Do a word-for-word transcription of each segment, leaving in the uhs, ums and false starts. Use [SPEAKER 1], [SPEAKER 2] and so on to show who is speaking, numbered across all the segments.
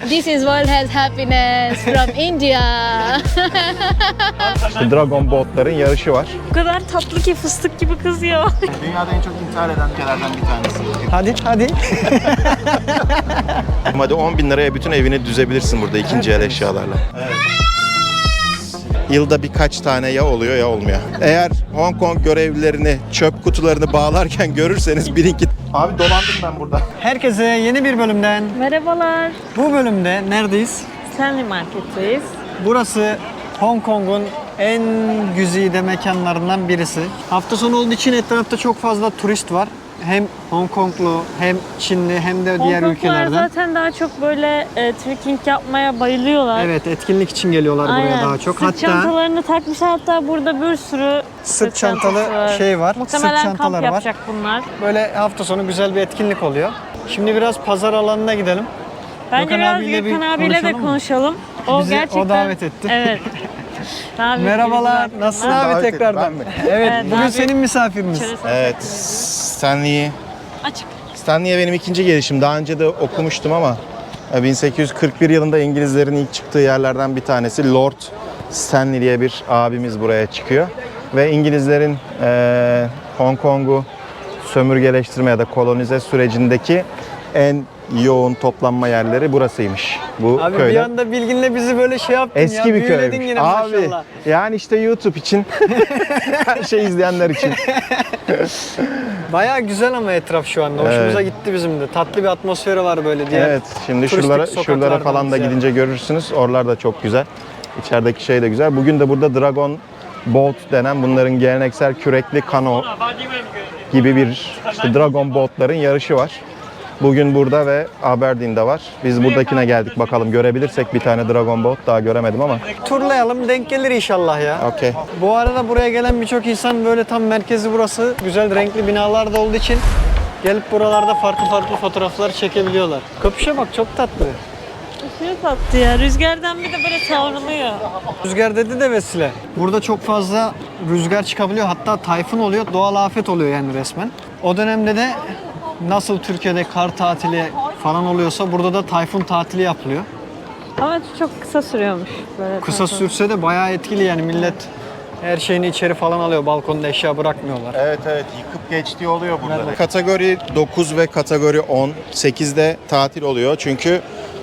[SPEAKER 1] This is world has happiness from India.
[SPEAKER 2] Dragon boatların yarışı var.
[SPEAKER 3] O kadar tatlı ki fıstık gibi kız ya.
[SPEAKER 2] Dünyada en çok intihar eden ülkelerden bir tanesi.
[SPEAKER 4] Hadi hadi.
[SPEAKER 2] Hadi on bin liraya bütün evini düzebilirsin burada ikinci el eşyalarla. Evet. Yılda birkaç tane ya oluyor ya olmuyor. Eğer Hong Kong görevlilerini çöp kutularını bağlarken görürseniz bilin ki... Abi dolandım ben burada.
[SPEAKER 4] Herkese yeni bir bölümden.
[SPEAKER 3] Merhabalar.
[SPEAKER 4] Bu bölümde neredeyiz?
[SPEAKER 3] Stanley Market'teyiz.
[SPEAKER 4] Burası Hong Kong'un en güzide mekanlarından birisi. Hafta sonu olduğu için etrafta çok fazla turist var. Hem Hong Konglu, hem Çinli, hem de diğer
[SPEAKER 3] Hong Konglular
[SPEAKER 4] ülkelerden.
[SPEAKER 3] zaten daha çok böyle e, trekking yapmaya bayılıyorlar.
[SPEAKER 4] Evet, etkinlik için geliyorlar
[SPEAKER 3] Aynen.
[SPEAKER 4] buraya daha çok.
[SPEAKER 3] Sırt
[SPEAKER 4] Hatta
[SPEAKER 3] çantalarını takmışlar, hatta burada bir sürü
[SPEAKER 4] sırt çantalı
[SPEAKER 3] çantası var.
[SPEAKER 4] şey var,
[SPEAKER 3] Muhtemelen
[SPEAKER 4] sırt çantaları
[SPEAKER 3] kamp
[SPEAKER 4] var.
[SPEAKER 3] yapacak bunlar.
[SPEAKER 4] Böyle hafta sonu güzel bir etkinlik oluyor. Şimdi biraz pazar alanına gidelim.
[SPEAKER 3] Bence
[SPEAKER 4] Gökhan
[SPEAKER 3] biraz
[SPEAKER 4] abiyle bir
[SPEAKER 3] Gökhan abiyle de
[SPEAKER 4] konuşalım mı?
[SPEAKER 3] konuşalım. O
[SPEAKER 4] Bizi o
[SPEAKER 3] gerçekten...
[SPEAKER 4] davet etti.
[SPEAKER 3] Evet. Davet
[SPEAKER 4] Merhabalar,
[SPEAKER 3] ediyoruz
[SPEAKER 4] nasılsın
[SPEAKER 3] hakkında.
[SPEAKER 4] abi
[SPEAKER 2] Davet
[SPEAKER 4] tekrardan?
[SPEAKER 2] ettim,
[SPEAKER 4] Evet,
[SPEAKER 3] Evet,
[SPEAKER 4] bugün
[SPEAKER 3] abi.
[SPEAKER 4] senin misafirimiz.
[SPEAKER 3] İçerisi
[SPEAKER 2] Evet, Stanley'i...
[SPEAKER 3] Açık.
[SPEAKER 2] Stanley'e benim ikinci gelişim. Daha önce de okumuştum ama bin sekiz yüz kırk bir yılında İngilizlerin ilk çıktığı yerlerden bir tanesi Lord Stanley diye bir abimiz buraya çıkıyor. Ve İngilizlerin eee Hong Kong'u sömürgeleştirme ya da kolonize sürecindeki en yoğun toplanma yerleri burasıymış. Bu
[SPEAKER 4] Abi
[SPEAKER 2] köyde.
[SPEAKER 4] bir anda bilginle bizi böyle şey yaptın
[SPEAKER 2] Eski
[SPEAKER 4] ya.
[SPEAKER 2] bir
[SPEAKER 4] büyüledin
[SPEAKER 2] köymüş.
[SPEAKER 4] yine
[SPEAKER 2] Abi
[SPEAKER 4] maşallah.
[SPEAKER 2] yani işte YouTube için her şey izleyenler için.
[SPEAKER 4] Bayağı güzel ama etraf şu anda. Hoşumuza gitti bizim de. Tatlı bir atmosferi var böyle diye.
[SPEAKER 2] Evet, şimdi
[SPEAKER 4] turistik
[SPEAKER 2] şuralara,
[SPEAKER 4] sokaklardan
[SPEAKER 2] şuralara falan da
[SPEAKER 4] ziyade.
[SPEAKER 2] gidince görürsünüz. Oralar da çok güzel. İçerideki şey de güzel. Bugün de burada Dragon Boat denen bunların geleneksel kürekli kano gibi bir işte Dragon Boat'ların yarışı var. Bugün burada ve Aberdeen'de var. Biz buradakine geldik, bakalım görebilirsek bir tane Dragon Boat, daha göremedim ama.
[SPEAKER 4] Turlayalım, denk gelir inşallah ya.
[SPEAKER 2] Okey.
[SPEAKER 4] Bu arada buraya gelen birçok insan böyle tam merkezi burası. Güzel renkli binalar da olduğu için gelip buralarda farklı farklı fotoğraflar çekebiliyorlar. Köpüşe bak, çok tatlı.
[SPEAKER 3] Aşırı tatlı ya. Rüzgardan bir de böyle savruluyor.
[SPEAKER 4] Rüzgar dedi de Vesile. Burada çok fazla rüzgar çıkabiliyor. Hatta tayfun oluyor. Doğal afet oluyor yani resmen. O dönemde de nasıl Türkiye'de kar tatili falan oluyorsa burada da tayfun tatili yapılıyor.
[SPEAKER 3] Ama çok kısa sürüyormuş. Böyle
[SPEAKER 4] Kısa
[SPEAKER 3] tatlı.
[SPEAKER 4] sürse de bayağı etkili yani, millet her şeyini içeri falan alıyor. Balkonda eşya bırakmıyorlar.
[SPEAKER 2] Evet evet, yıkıp geçtiği oluyor burada. Evet. Kategori dokuz ve kategori on. sekizde tatil oluyor çünkü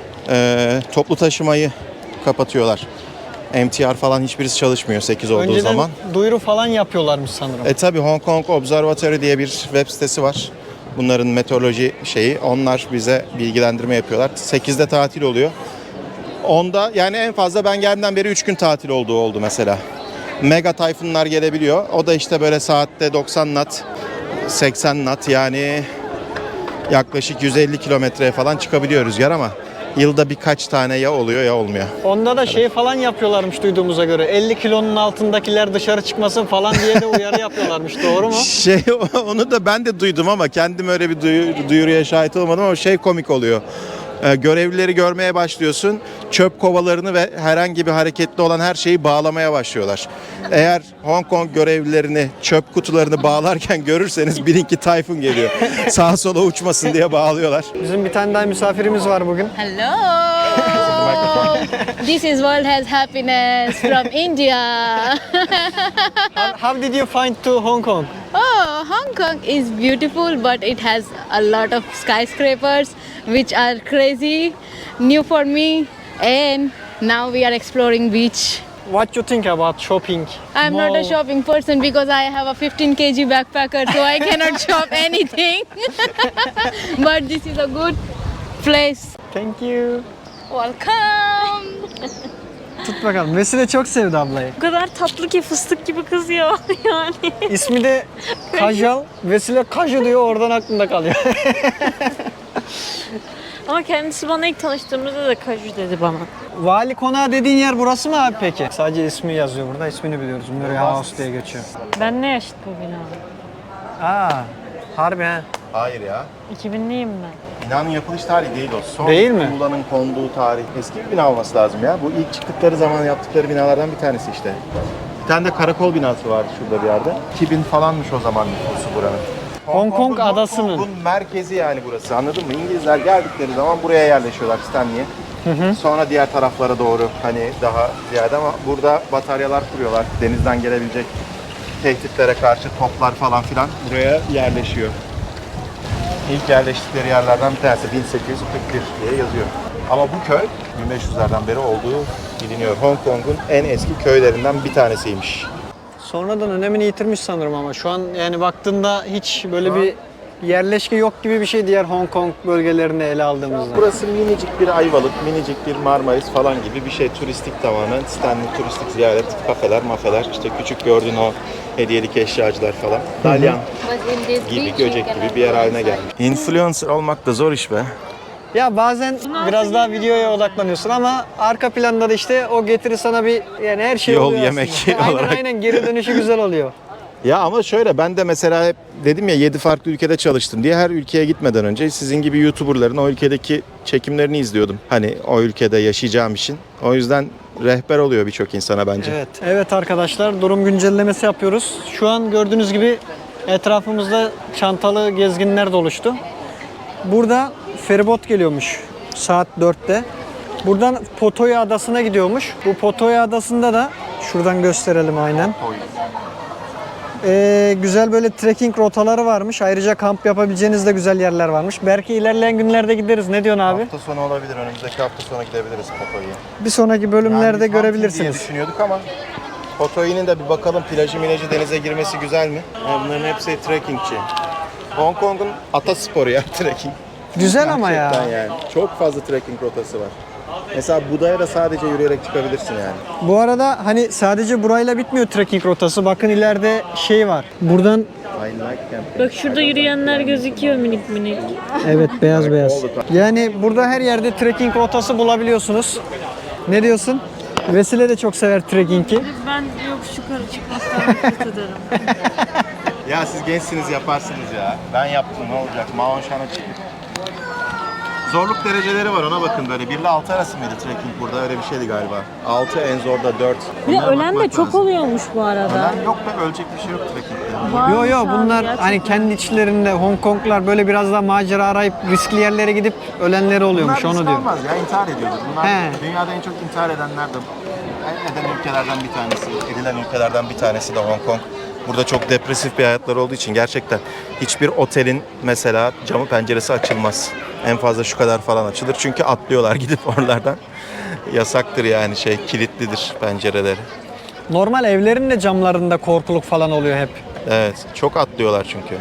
[SPEAKER 2] e, toplu taşımayı kapatıyorlar. M T R falan hiçbirisi çalışmıyor sekiz olduğu
[SPEAKER 4] Önceden
[SPEAKER 2] zaman.
[SPEAKER 4] duyuru falan yapıyorlarmış sanırım.
[SPEAKER 2] E tabi Hong Kong Observatory diye bir web sitesi var. Bunların meteoroloji şeyi. Onlar bize bilgilendirme yapıyorlar. sekizde tatil oluyor. onda yani en fazla ben geldiğimden beri üç gün tatil olduğu oldu mesela. Mega tayfunlar gelebiliyor. O da işte böyle saatte doksan knot, seksen knot, yani yaklaşık yüz elli kilometreye falan çıkabiliyor rüzgar ama yılda birkaç tane ya oluyor ya olmuyor.
[SPEAKER 4] Onda da şey falan yapıyorlarmış duyduğumuza göre. elli kilonun altındakiler dışarı çıkmasın falan diye de uyarı yapıyorlarmış. Doğru mu?
[SPEAKER 2] Şey onu da ben de duydum ama kendim öyle bir duyur, duyuruya şahit olmadım ama şey komik oluyor. Ee, görevlileri görmeye başlıyorsun. Çöp kovalarını ve herhangi bir hareketli olan her şeyi bağlamaya başlıyorlar. Eğer Hong Kong görevlilerini çöp kutularını bağlarken görürseniz bilin ki tayfun geliyor. Sağa sola uçmasın diye bağlıyorlar.
[SPEAKER 4] Bizim bir tane daha misafirimiz var bugün.
[SPEAKER 1] Hello. This is world has happiness from India.
[SPEAKER 4] How, how did you find to Hong Kong?
[SPEAKER 1] Oh, Hong Kong is beautiful, but it has a lot of skyscrapers, which are crazy, new for me. And now we are exploring beach.
[SPEAKER 4] What you think about shopping?
[SPEAKER 1] I'm not a
[SPEAKER 4] Mall?
[SPEAKER 1] shopping person because I have a fifteen kilogram backpacker, so I cannot shop anything. But this is a good place.
[SPEAKER 4] Thank you.
[SPEAKER 1] Welcome.
[SPEAKER 4] Tut bakalım. Vesile çok sevdi ablayı.
[SPEAKER 3] O kadar tatlı ki fıstık gibi kız ya. Yani.
[SPEAKER 4] İsmi de Kajal. Vesile Kaju diyor, oradan aklımda kalıyor.
[SPEAKER 3] Ama kendisi bana ilk tanıştığımızda da kaju dedi bana.
[SPEAKER 4] Vali Konağı dediğin yer burası mı abi peki? Sadece ismi yazıyor burada. İsmini biliyoruz. Murray House diye geçiyor.
[SPEAKER 3] Ben ne yaşıt bu bina?
[SPEAKER 4] Aa, harbi ha.
[SPEAKER 2] Hayır ya.
[SPEAKER 3] iki binliyim ben.
[SPEAKER 2] Binanın yapılış tarihi değil o. Son
[SPEAKER 4] Değil mi?
[SPEAKER 2] Muğla'nın konduğu tarih. Eski bir bina olması lazım ya. Bu ilk çıktıkları zaman yaptıkları binalardan bir tanesi işte. Bir tane de karakol binası vardı şurada bir yerde. iki bin falanmış o zaman nüfusu buranın.
[SPEAKER 4] Hong Kong
[SPEAKER 2] Kong'un-
[SPEAKER 4] adasının.
[SPEAKER 2] Hong Kong'un merkezi yani burası, anladın mı? İngilizler geldikleri zaman buraya yerleşiyorlar, Stanley'e. Sonra diğer taraflara doğru hani daha ziyade ama burada bataryalar kuruyorlar. Denizden gelebilecek tehditlere karşı toplar falan filan buraya yerleşiyor. İlk yerleştikleri yerlerden bir tanesi bin sekiz yüz kırk bir diye yazıyor. Ama bu köy bin beş yüzlerden beri olduğu biliniyor. Hong Kong'un en eski köylerinden bir tanesiymiş.
[SPEAKER 4] Sonradan önemini yitirmiş sanırım ama şu an yani baktığında hiç böyle bir yerleşke yok gibi bir şey diğer Hong Kong bölgelerini ele aldığımızda.
[SPEAKER 2] Burası minicik bir Ayvalık, minicik bir Marmaris falan gibi bir şey. Turistik tamamen. Stanley turistik ziyaret, kafeler, mafeler. İşte küçük gördüğün o hediyelik eşyacılar falan. Dalyan gibi, göcek gibi bir yer haline gelmiş. Influencer olmak da zor iş be.
[SPEAKER 4] Ya bazen biraz daha videoya odaklanıyorsun ama arka planda da işte o getiri sana bir yani her şey
[SPEAKER 2] Yol,
[SPEAKER 4] oluyor
[SPEAKER 2] yemek
[SPEAKER 4] aslında. Aynen
[SPEAKER 2] olarak.
[SPEAKER 4] aynen geri dönüşü güzel oluyor.
[SPEAKER 2] Ya ama şöyle ben de mesela hep dedim ya yedi farklı ülkede çalıştım diye her ülkeye gitmeden önce sizin gibi YouTuber'ların o ülkedeki çekimlerini izliyordum. Hani o ülkede yaşayacağım için. O yüzden rehber oluyor birçok insana bence.
[SPEAKER 4] Evet. Evet arkadaşlar durum güncellemesi yapıyoruz. Şu an gördüğünüz gibi etrafımızda çantalı gezginler doluştu. Burada feribot geliyormuş saat dörtte. Buradan Potoya Adası'na gidiyormuş. Bu Potoya Adası'nda da şuradan gösterelim aynen. Ee, güzel böyle trekking rotaları varmış. Ayrıca kamp yapabileceğiniz de güzel yerler varmış. Belki ilerleyen günlerde gideriz. Ne diyorsun abi?
[SPEAKER 2] Hafta sonu olabilir. Önümüzdeki hafta sonu gidebiliriz Potoy'a.
[SPEAKER 4] Bir sonraki bölümlerde
[SPEAKER 2] Yani biz Hamsi diye
[SPEAKER 4] görebilirsiniz.
[SPEAKER 2] düşünüyorduk ama Potoy'un de bir bakalım plajı milajı denize girmesi güzel mi? Yani bunların hepsi trekkingçi. Hong Kong'un atasporu ya trekking.
[SPEAKER 4] Güzel ama ya.
[SPEAKER 2] Gerçekten yani. Çok fazla trekking rotası var. Mesela Buda'ya da sadece yürüyerek çıkabilirsin yani.
[SPEAKER 4] Bu arada hani sadece burayla bitmiyor trekking rotası. Bakın ileride şey var. Buradan
[SPEAKER 2] I like camping.
[SPEAKER 3] Bak şurada yürüyenler gözüküyor minik minik.
[SPEAKER 4] evet beyaz beyaz. Yani burada her yerde trekking rotası bulabiliyorsunuz. Ne diyorsun? Vesile de çok sever trekkingi.
[SPEAKER 3] Ben yokuş yukarı çıkmaktan nefret ederim.
[SPEAKER 2] Ya siz gençsiniz yaparsınız ya. Ben yaptım ne olacak? Mao Shan'a çıktık. Zorluk dereceleri var ona bakın böyle. bir ile altı arası mıydı trekking burada? Öyle bir şeydi galiba. altı en zor da dört.
[SPEAKER 3] Bir de
[SPEAKER 2] Bunlara
[SPEAKER 3] ölen de
[SPEAKER 2] bakmak
[SPEAKER 3] çok
[SPEAKER 2] lazım.
[SPEAKER 3] oluyormuş bu arada.
[SPEAKER 2] Ölen yok be ölecek bir şey yok trekkingde.
[SPEAKER 3] Varmış
[SPEAKER 4] Yo yo
[SPEAKER 3] abi,
[SPEAKER 4] bunlar
[SPEAKER 3] gerçekten.
[SPEAKER 4] hani kendi içlerinde Hong Konglar böyle biraz daha macera arayıp riskli yerlere gidip ölenleri oluyormuş
[SPEAKER 2] Bunlar
[SPEAKER 4] onu
[SPEAKER 2] risk
[SPEAKER 4] diyor.
[SPEAKER 2] almaz ya intihar ediyordur. Bunlar
[SPEAKER 4] He.
[SPEAKER 2] dünyada en çok intihar edenler de en eden ülkelerden bir tanesi, edilen ülkelerden bir tanesi de Hong Kong. Burada çok depresif bir hayatları olduğu için gerçekten hiçbir otelin mesela camı penceresi açılmaz. En fazla şu kadar falan açılır çünkü atlıyorlar gidip oralardan. Yasaktır yani şey kilitlidir pencereleri.
[SPEAKER 4] Normal evlerin de camlarında korkuluk falan oluyor hep.
[SPEAKER 2] Evet çok atlıyorlar çünkü.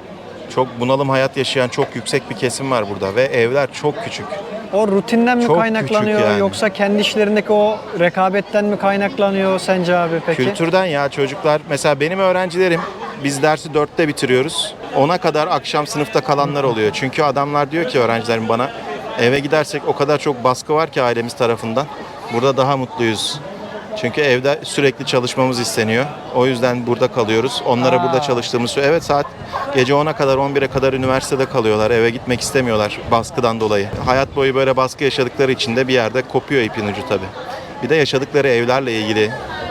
[SPEAKER 2] Çok bunalım hayat yaşayan çok yüksek bir kesim var burada ve evler çok küçük.
[SPEAKER 4] O rutinden mi
[SPEAKER 2] Çok
[SPEAKER 4] kaynaklanıyor
[SPEAKER 2] küçük yani.
[SPEAKER 4] yoksa kendi işlerindeki o rekabetten mi kaynaklanıyor sence abi peki?
[SPEAKER 2] Kültürden ya çocuklar. Mesela benim öğrencilerim biz dersi dörtte bitiriyoruz. ona kadar akşam sınıfta kalanlar oluyor. Çünkü adamlar diyor ki öğrencilerim bana eve gidersek o kadar çok baskı var ki ailemiz tarafından. Burada daha mutluyuz. Çünkü evde sürekli çalışmamız isteniyor. O yüzden burada kalıyoruz. Onlara
[SPEAKER 4] Aa.
[SPEAKER 2] burada çalıştığımız süre. Evet saat gece ona kadar on bire kadar üniversitede kalıyorlar. Eve gitmek istemiyorlar baskıdan dolayı. Hayat boyu böyle baskı yaşadıkları için de bir yerde kopuyor ipin ucu tabii. Bir de yaşadıkları evlerle ilgili.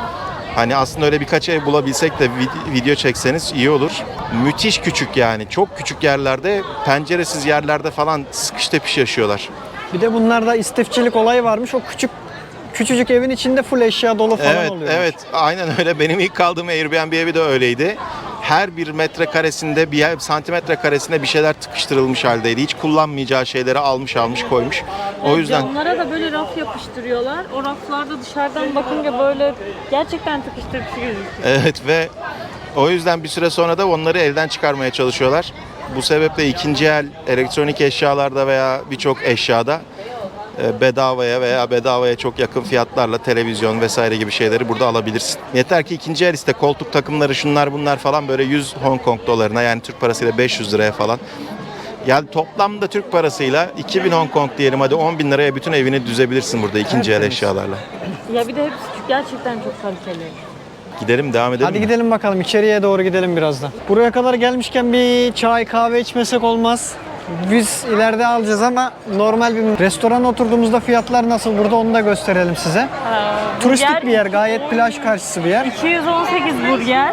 [SPEAKER 2] Hani aslında öyle birkaç ev bulabilsek de video çekseniz iyi olur. Müthiş küçük yani. Çok küçük yerlerde, penceresiz yerlerde falan sıkış tepiş yaşıyorlar.
[SPEAKER 4] Bir de bunlarda istifçilik olayı varmış. O küçük küçücük evin içinde full eşya dolu falan
[SPEAKER 2] Evet,
[SPEAKER 4] oluyor.
[SPEAKER 2] evet. Aynen öyle. Benim ilk kaldığım Airbnb evi de öyleydi. Her bir metrekaresinde, bir santimetre karesinde bir şeyler tıkıştırılmış haldeydi. Hiç kullanmayacağı şeyleri almış almış koymuş. O yüzden
[SPEAKER 3] Camlara da böyle raf yapıştırıyorlar. O raflarda dışarıdan bakınca böyle gerçekten tıkıştırıcı gözüküyor.
[SPEAKER 2] evet ve o yüzden bir süre sonra da onları elden çıkarmaya çalışıyorlar. Bu sebeple ikinci el elektronik eşyalarda veya birçok eşyada bedavaya veya bedavaya çok yakın fiyatlarla televizyon vesaire gibi şeyleri burada alabilirsin. Yeter ki ikinci el iste koltuk takımları şunlar bunlar falan böyle yüz Hong Kong dolarına yani Türk parasıyla beş yüz liraya falan. Yani toplamda Türk parasıyla iki bin Hong Kong diyelim hadi on bin liraya bütün evini düzebilirsin burada ikinci el eşyalarla.
[SPEAKER 3] Ya bir de hepsi gerçekten çok kaliteli.
[SPEAKER 2] Gidelim devam edelim
[SPEAKER 4] Hadi
[SPEAKER 2] mi?
[SPEAKER 4] gidelim bakalım içeriye doğru gidelim birazdan. Buraya kadar gelmişken bir çay kahve içmesek olmaz. Biz ileride alacağız ama normal bir restorana oturduğumuzda fiyatlar nasıl burada onu da gösterelim size. Turistik bir yer, gayet plaj karşısı bir yer.
[SPEAKER 3] iki yüz on sekiz burger.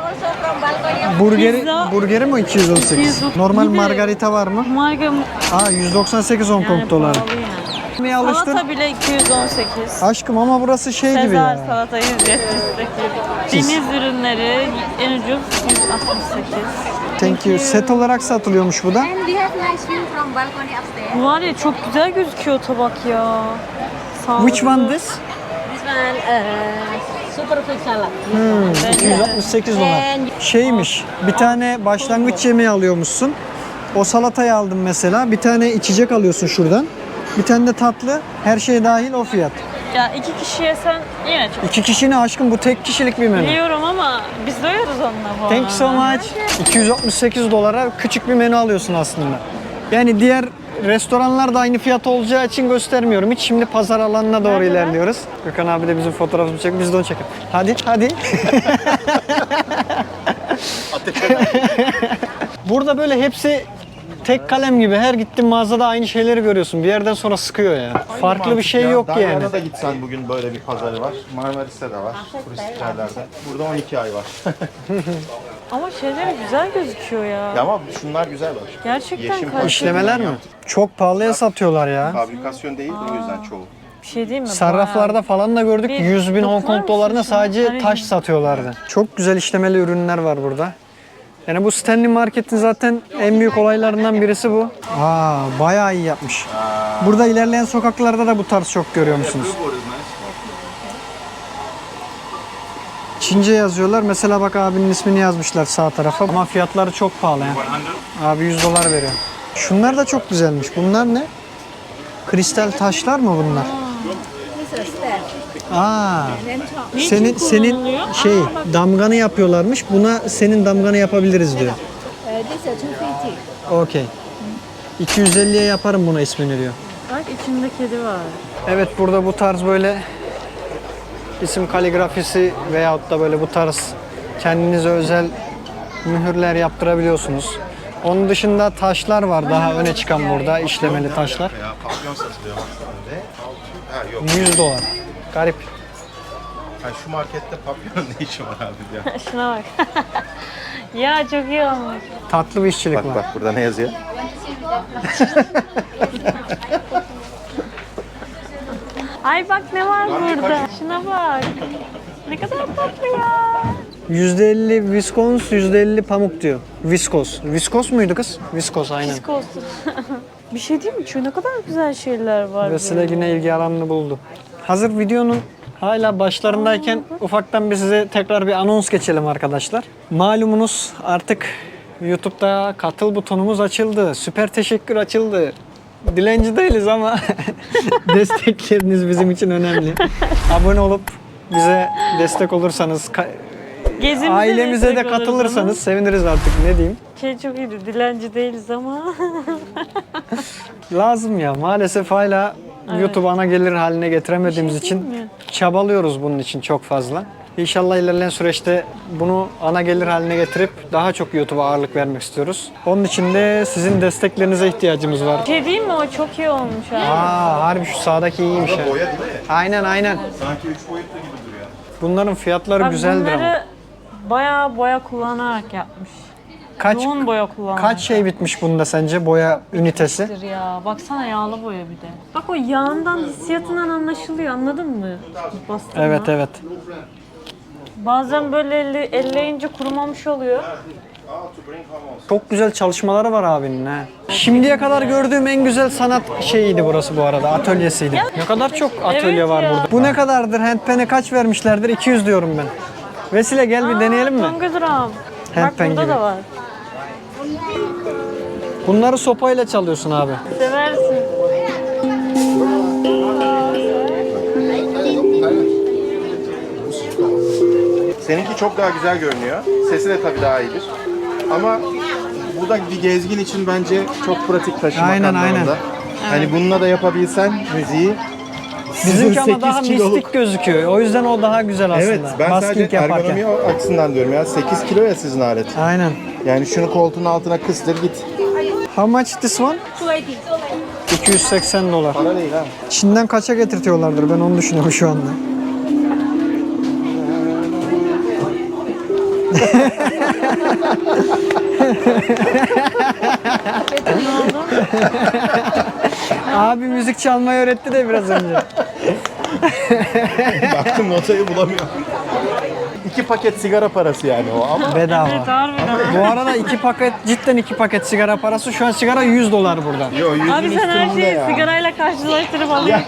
[SPEAKER 4] Burgeri,
[SPEAKER 3] Pizza.
[SPEAKER 4] burgeri mi iki yüz on sekiz?
[SPEAKER 3] iki yüz on-
[SPEAKER 4] Normal
[SPEAKER 3] Bir de-
[SPEAKER 4] margarita var mı?
[SPEAKER 3] Marga
[SPEAKER 4] Aa yüz doksan sekiz Hong Kong
[SPEAKER 3] yani
[SPEAKER 4] doları.
[SPEAKER 3] pahalı yani.
[SPEAKER 4] Yemeğe alıştın.
[SPEAKER 3] Salata bile iki yüz on sekiz.
[SPEAKER 4] Aşkım ama burası şey gibi
[SPEAKER 3] Sezar
[SPEAKER 4] ya.
[SPEAKER 3] salata yüz yetmiş sekiz. Deniz ürünleri en ucuz yüz altmış sekiz.
[SPEAKER 4] Thank you. Set olarak satılıyormuş bu da.
[SPEAKER 5] And we have nice view from balcony upstairs.
[SPEAKER 3] Bu var ya çok güzel gözüküyor tabak ya. Sağlıklı.
[SPEAKER 4] Which one this?
[SPEAKER 1] This one, uh, super food salad.
[SPEAKER 4] Hmm, iki yüz altmış sekiz dolar. Şeymiş, bir tane başlangıç yemeği alıyormuşsun. O salatayı aldım mesela. Bir tane içecek alıyorsun şuradan. Bir tane de tatlı. Her şey dahil o fiyat.
[SPEAKER 3] Ya iki kişi yesen yine çok.
[SPEAKER 4] İki kişi ne aşkım, bu tek kişilik bir menü.
[SPEAKER 3] Biliyorum ama biz doyuyoruz onunla bu
[SPEAKER 4] Thank you so
[SPEAKER 3] arada.
[SPEAKER 4] much. iki yüz altmış sekiz dolara küçük bir menü alıyorsun aslında. Yani diğer restoranlar da aynı fiyat olacağı için göstermiyorum. Hiç şimdi pazar alanına doğru ilerliyoruz. Gökhan abi de bizim fotoğrafımızı çek, biz de onu çekelim. Hadi, hadi. Burada böyle hepsi tek kalem gibi. Her gittiğin mağazada aynı şeyleri görüyorsun. Bir yerden sonra sıkıyor ya. Farklı bir şey yok yani.
[SPEAKER 2] Dalyan'a da gitsen bugün böyle bir pazarı var. Marmaris'te de var. Turistik yerlerde. Burada on iki ay var.
[SPEAKER 3] Ama şeyleri güzel gözüküyor ya.
[SPEAKER 2] Ya ama şunlar güzel bak.
[SPEAKER 3] Gerçekten
[SPEAKER 2] Yeşim
[SPEAKER 3] kaliteli.
[SPEAKER 4] İşlemeler mi? Çok pahalıya satıyorlar ya.
[SPEAKER 2] Fabrikasyon değil de o yüzden çoğu.
[SPEAKER 3] Bir şey değil mi?
[SPEAKER 4] Sarraflarda falan da gördük.
[SPEAKER 3] Bir
[SPEAKER 4] yüz bin Hong
[SPEAKER 3] dokunar
[SPEAKER 4] Kong dolarına
[SPEAKER 3] mısın şuna?
[SPEAKER 4] sadece
[SPEAKER 3] Hani-
[SPEAKER 4] taş satıyorlardı. Çok güzel işlemeli ürünler var burada. Yani bu Stanley Market'in zaten en büyük olaylarından birisi bu. Aa, bayağı iyi yapmış. Burada ilerleyen sokaklarda da bu tarz çok görüyor musunuz? Çince yazıyorlar. Mesela bak abinin ismini yazmışlar sağ tarafa. Ama fiyatları çok pahalı ya. Abi yüz dolar veriyor. Şunlar da çok güzelmiş. Bunlar ne? Kristal taşlar mı bunlar? Aa. Senin senin
[SPEAKER 3] kullanılıyor?
[SPEAKER 4] şey damganı yapıyorlarmış. Buna senin damganı yapabiliriz diyor.
[SPEAKER 5] Uh, this is two fifty.
[SPEAKER 4] Okey. iki yüz elliye yaparım buna ismini diyor.
[SPEAKER 3] Bak içinde kedi var.
[SPEAKER 4] Evet, burada bu tarz böyle isim kaligrafisi veyahut da böyle bu tarz kendinize özel mühürler yaptırabiliyorsunuz. Onun dışında taşlar var daha öne çıkan burada, işlemeli taşlar.
[SPEAKER 2] Ya papyon satılıyor baksana. Ha yok.
[SPEAKER 4] yüz dolar. Garip.
[SPEAKER 2] Ha, şu markette papyon ne işi var abi diyor.
[SPEAKER 3] Şuna bak. Ya çok iyi olmuş.
[SPEAKER 4] Tatlı bir işçilik
[SPEAKER 2] Bak
[SPEAKER 4] var.
[SPEAKER 2] bak burada ne yazıyor?
[SPEAKER 3] Ay bak ne var burada. Şuna bak. Ne kadar tatlı ya.
[SPEAKER 4] yüzde elli viskos, yüzde elli pamuk diyor. Viskos. Viskos muydu kız? Viskos aynen.
[SPEAKER 3] Disk olsun. Bir şey değil mi? Şu ne kadar güzel şeyler var.
[SPEAKER 4] Vesile
[SPEAKER 3] böyle.
[SPEAKER 4] yine ilgi alanını buldu. Hazır videonun hala başlarındayken ufaktan bir size tekrar bir anons geçelim arkadaşlar. Malumunuz artık YouTube'da katıl butonumuz açıldı. Süper teşekkür açıldı. Dilenci değiliz ama destekleriniz bizim için önemli. Abone olup bize destek olursanız, ka-
[SPEAKER 3] Gezimize
[SPEAKER 4] ailemize de
[SPEAKER 3] destek oluruz
[SPEAKER 4] katılırsanız
[SPEAKER 3] ama.
[SPEAKER 4] seviniriz artık, ne diyeyim.
[SPEAKER 3] Şey çok iyiydi. Dilenci değiliz ama.
[SPEAKER 4] Lazım ya, maalesef hala YouTube ana gelir haline getiremediğimiz için
[SPEAKER 3] değil mi?
[SPEAKER 4] çabalıyoruz bunun için çok fazla. İnşallah ilerleyen süreçte bunu ana gelir haline getirip daha çok YouTube'a ağırlık vermek istiyoruz. Onun için de sizin desteklerinize ihtiyacımız var.
[SPEAKER 3] Bir şey değil mi? O çok iyi olmuş ha.
[SPEAKER 4] Aa, harbi şu sağdaki iyiymiş ya.
[SPEAKER 2] Boya değil mi?
[SPEAKER 4] Aynen aynen.
[SPEAKER 2] Sanki üç boyutlu gibi duruyor.
[SPEAKER 4] Bunların fiyatları
[SPEAKER 3] Bak
[SPEAKER 4] güzeldir ama.
[SPEAKER 3] bunları bayağı boya kullanarak yapmış.
[SPEAKER 4] Kaç
[SPEAKER 3] Yoğun boya kullanarak.
[SPEAKER 4] kaç şey bitmiş bunda sence, boya ünitesi?
[SPEAKER 3] yapmıştır ya. Baksana yağlı boya bir de. Bak o yağından, hissiyatından anlaşılıyor. Anladın mı? Bastırma.
[SPEAKER 4] Evet evet.
[SPEAKER 3] Bazen böyle elle, elleyince kurumamış oluyor.
[SPEAKER 4] Çok güzel çalışmaları var abinin ha. Şimdiye kadar gördüğüm en güzel sanat şeyiydi burası bu arada, atölyesiydi. Ne kadar çok atölye
[SPEAKER 3] Evet
[SPEAKER 4] var
[SPEAKER 3] ya.
[SPEAKER 4] burada. Bu ne kadardır? Handpen'e kaç vermişlerdir? iki yüz diyorum ben. Vesile gel bir deneyelim mi?
[SPEAKER 3] Tongadıram. Bak
[SPEAKER 4] Handpan
[SPEAKER 3] burada
[SPEAKER 4] gibi.
[SPEAKER 3] da var.
[SPEAKER 4] Bunları sopayla çalıyorsun abi.
[SPEAKER 3] Seversin.
[SPEAKER 2] Seninki çok daha güzel görünüyor. Sesi de tabii daha iyidir. Ama bu da bir gezgin için bence çok pratik taşımak
[SPEAKER 4] Aynen,
[SPEAKER 2] anlamında.
[SPEAKER 4] aynen.
[SPEAKER 2] Hani bununla da yapabilsen müziği
[SPEAKER 4] Bizimki ama
[SPEAKER 2] sekiz
[SPEAKER 4] daha
[SPEAKER 2] kiloluk.
[SPEAKER 4] mistik gözüküyor. O yüzden o daha güzel aslında.
[SPEAKER 2] Evet, ben sadece
[SPEAKER 4] Basking yaparken.
[SPEAKER 2] ergonomi açısından diyorum ya. sekiz kilo ya sizin alet.
[SPEAKER 4] Aynen.
[SPEAKER 2] Yani şunu koltuğun altına kıstır git.
[SPEAKER 4] How much this one? iki yüz seksen dolar.
[SPEAKER 2] Para değil ha.
[SPEAKER 4] Çin'den kaça getirtiyorlardır, ben onu düşünüyorum şu anda. Abi müzik çalmayı öğretti de biraz önce.
[SPEAKER 2] Baktım notayı bulamıyorum. İki paket sigara parası yani o ama.
[SPEAKER 4] Bedava.
[SPEAKER 3] Evet harbiden.
[SPEAKER 4] Bu arada iki paket, cidden iki paket sigara parası. Şu an sigara yüz dolar burada.
[SPEAKER 2] Yo yüzün
[SPEAKER 3] Abi sen her
[SPEAKER 2] üstünde
[SPEAKER 3] şeyi
[SPEAKER 2] ya.
[SPEAKER 3] sigarayla karşılaştırıp alıyorsun.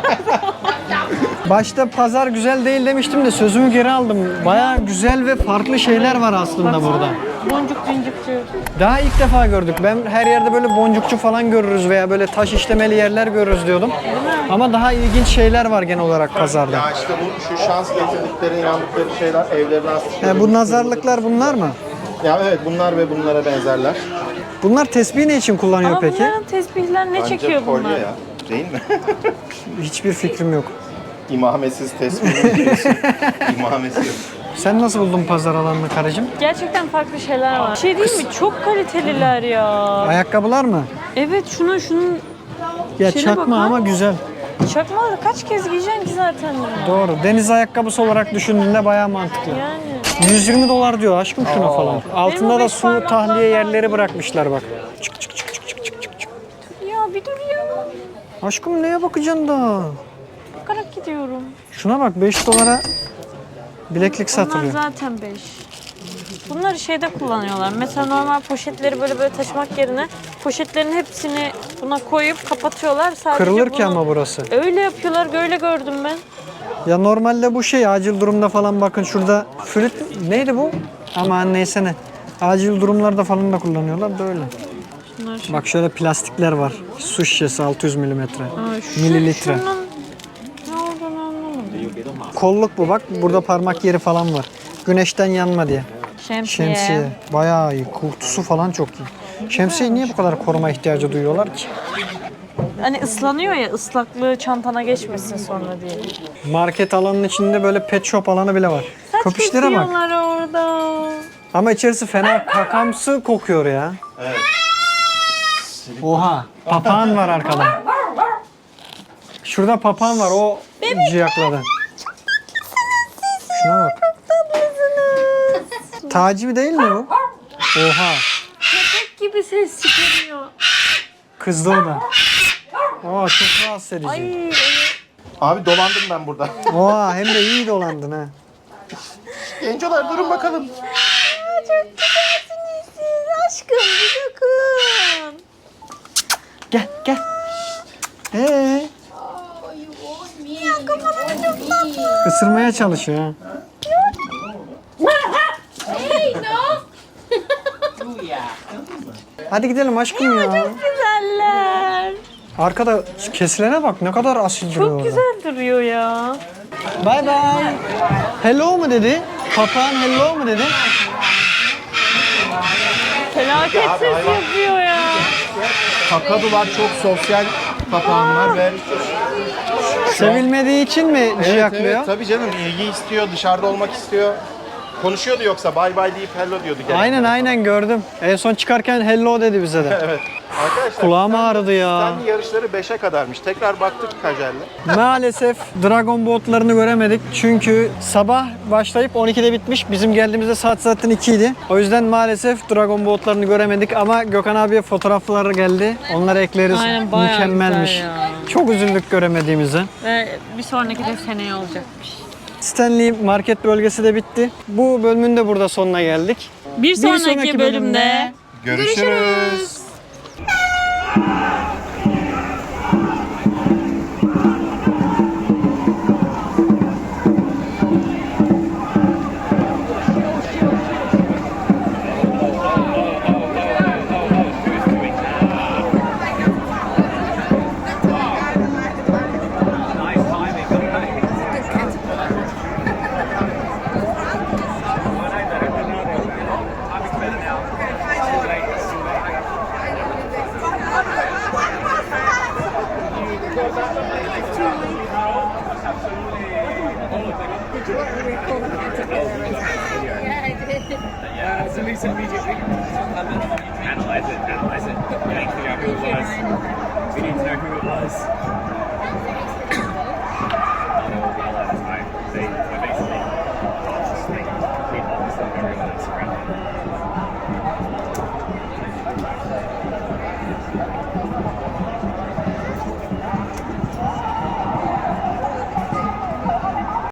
[SPEAKER 4] Başta pazar güzel değil demiştim de sözümü geri aldım. Bayağı güzel ve farklı şeyler var aslında burada.
[SPEAKER 3] Boncuk cincikçi.
[SPEAKER 4] Daha ilk defa gördük. Ben her yerde böyle boncukçu falan görürüz veya böyle taş işlemeli yerler görürüz diyordum. Ama daha ilginç şeyler var genel olarak pazarda.
[SPEAKER 2] Ya işte bu şu şans getirdikleri, inandıkları şeyler evlerine astıkları.
[SPEAKER 4] Ya bu nazarlıklar bunlar mı?
[SPEAKER 2] Ya evet bunlar ve bunlara benzerler.
[SPEAKER 4] Bunlar tesbih ne için kullanıyor
[SPEAKER 3] Ama
[SPEAKER 4] peki?
[SPEAKER 3] bunların tesbihler ne
[SPEAKER 2] Bence
[SPEAKER 3] çekiyor
[SPEAKER 2] kolye
[SPEAKER 3] bunlar?
[SPEAKER 2] ya. Değil mi?
[SPEAKER 4] Hiçbir fikrim yok.
[SPEAKER 2] İmamesiz tesbih diyorsun. İmamesi yok.
[SPEAKER 4] Sen nasıl buldun pazar alanını karıcığım?
[SPEAKER 3] Gerçekten farklı şeyler var. Şey değil mi? Çok kaliteliler ya.
[SPEAKER 4] Ayakkabılar mı?
[SPEAKER 3] Evet şunun şunun
[SPEAKER 4] Ya
[SPEAKER 3] Şöyle
[SPEAKER 4] çakma
[SPEAKER 3] bakın.
[SPEAKER 4] ama güzel.
[SPEAKER 3] çakmaları kaç kez giyeceksin ki zaten bunu?
[SPEAKER 4] Doğru. Deniz ayakkabısı olarak düşündüğünde bayağı mantıklı.
[SPEAKER 3] Yani.
[SPEAKER 4] yüz yirmi dolar diyor aşkım şuna falan. Altında
[SPEAKER 3] Benim o
[SPEAKER 4] da
[SPEAKER 3] beş
[SPEAKER 4] su
[SPEAKER 3] parmaklar
[SPEAKER 4] tahliye
[SPEAKER 3] var.
[SPEAKER 4] yerleri bırakmışlar bak.
[SPEAKER 3] Ya bir dur ya.
[SPEAKER 4] Aşkım neye bakacaksın da?
[SPEAKER 3] Bakarak gidiyorum.
[SPEAKER 4] Şuna bak beş dolara bileklik
[SPEAKER 3] Bunlar
[SPEAKER 4] satılıyor.
[SPEAKER 3] zaten beş. Bunları şeyde kullanıyorlar. Mesela normal poşetleri böyle böyle taşımak yerine poşetlerin hepsini buna koyup kapatıyorlar. Sadece
[SPEAKER 4] Kırılır ki
[SPEAKER 3] bunu-
[SPEAKER 4] ama burası.
[SPEAKER 3] Öyle yapıyorlar. Öyle gördüm ben.
[SPEAKER 4] Ya normalde bu şey acil durumda falan bakın şurada flüt neydi bu? Aman neyse ne. Acil durumlarda falan da kullanıyorlar da öyle.
[SPEAKER 3] Bunlar şey.
[SPEAKER 4] Bak şöyle plastikler var. Su şişesi altı yüz milimetre.
[SPEAKER 3] Aa, şu-
[SPEAKER 4] Mililitre.
[SPEAKER 3] Şunun ne olduğunu anlamadım.
[SPEAKER 4] Kolluk bu bak. Burada parmak yeri falan var. Güneşten yanma diye.
[SPEAKER 3] Şemsiye.
[SPEAKER 4] Şemsiye. Bayağı iyi. Kutusu falan çok iyi. Şemsiyeyi niye bu kadar koruma ihtiyacı duyuyorlar ki?
[SPEAKER 3] Hani ıslanıyor ya, ıslaklığı çantana geçmesin sonra diye.
[SPEAKER 4] Market alanının içinde böyle pet shop alanı bile var.
[SPEAKER 3] Saç
[SPEAKER 4] Köpüşlere bak.
[SPEAKER 3] kesiyorlar orada.
[SPEAKER 4] Ama içerisi fena kakamsı kokuyor ya.
[SPEAKER 2] Evet.
[SPEAKER 4] Oha. Papağan var arkada. Şurada papağan var. O ciyakladı. Şuna bak. Taci değil mi bu? Oha.
[SPEAKER 3] Köpek gibi ses çıkarıyor.
[SPEAKER 4] Kızdı o da. Oha çok rahatsız edici.
[SPEAKER 3] Ay,
[SPEAKER 2] Abi dolandım ben burada.
[SPEAKER 4] Oha hem de iyi dolandın ha.
[SPEAKER 2] Gencolar durun bakalım.
[SPEAKER 3] çok güzelsiniz siz. Aşkım bir dokun.
[SPEAKER 4] Gel gel. Ee,
[SPEAKER 3] Ya kafanı çok tatlı.
[SPEAKER 4] ısırmaya çalışıyor ha. Hadi gidelim aşkım ya.
[SPEAKER 3] Güzeller.
[SPEAKER 4] Arkada kesilene bak ne kadar asil duruyor
[SPEAKER 3] Çok
[SPEAKER 4] orada.
[SPEAKER 3] güzel duruyor ya.
[SPEAKER 4] Bye bye. Hello mu dedi? Papağan hello mu dedi?
[SPEAKER 3] Felaket ses yapıyor ya.
[SPEAKER 2] Kakadular çok sosyal papağanlar ve
[SPEAKER 4] Sevilmediği için mi
[SPEAKER 2] evet,
[SPEAKER 4] ciyaklıyor?
[SPEAKER 2] evet, tabii canım ilgi istiyor, dışarıda olmak istiyor. Konuşuyordu yoksa bye bye deyip hello diyordu. genelde.
[SPEAKER 4] Aynen aynen gördüm. En son çıkarken hello dedi bize de.
[SPEAKER 2] Evet. Arkadaşlar
[SPEAKER 4] Kulağım ağrıdı ya.
[SPEAKER 2] Stanley yarışları beşe kadarmış. Tekrar baktık Kajel'le.
[SPEAKER 4] Maalesef Dragon Boat'larını göremedik. Çünkü sabah başlayıp on ikide bitmiş. Bizim geldiğimizde saat zaten iki idi. O yüzden maalesef Dragon Boat'larını göremedik ama Gökhan abiye fotoğrafları geldi. Onları ekleriz.
[SPEAKER 3] Aynen, bayağı
[SPEAKER 4] Mükemmelmiş.
[SPEAKER 3] güzel ya.
[SPEAKER 4] Çok üzüldük göremediğimize.
[SPEAKER 3] Ve bir sonraki de seneye olacakmış.
[SPEAKER 4] Stanley Market bölgesi de bitti. Bu bölümün de burada sonuna geldik.
[SPEAKER 3] Bir sonraki,
[SPEAKER 4] sonraki
[SPEAKER 3] bölümde
[SPEAKER 4] bölümde
[SPEAKER 2] Görüşürüz.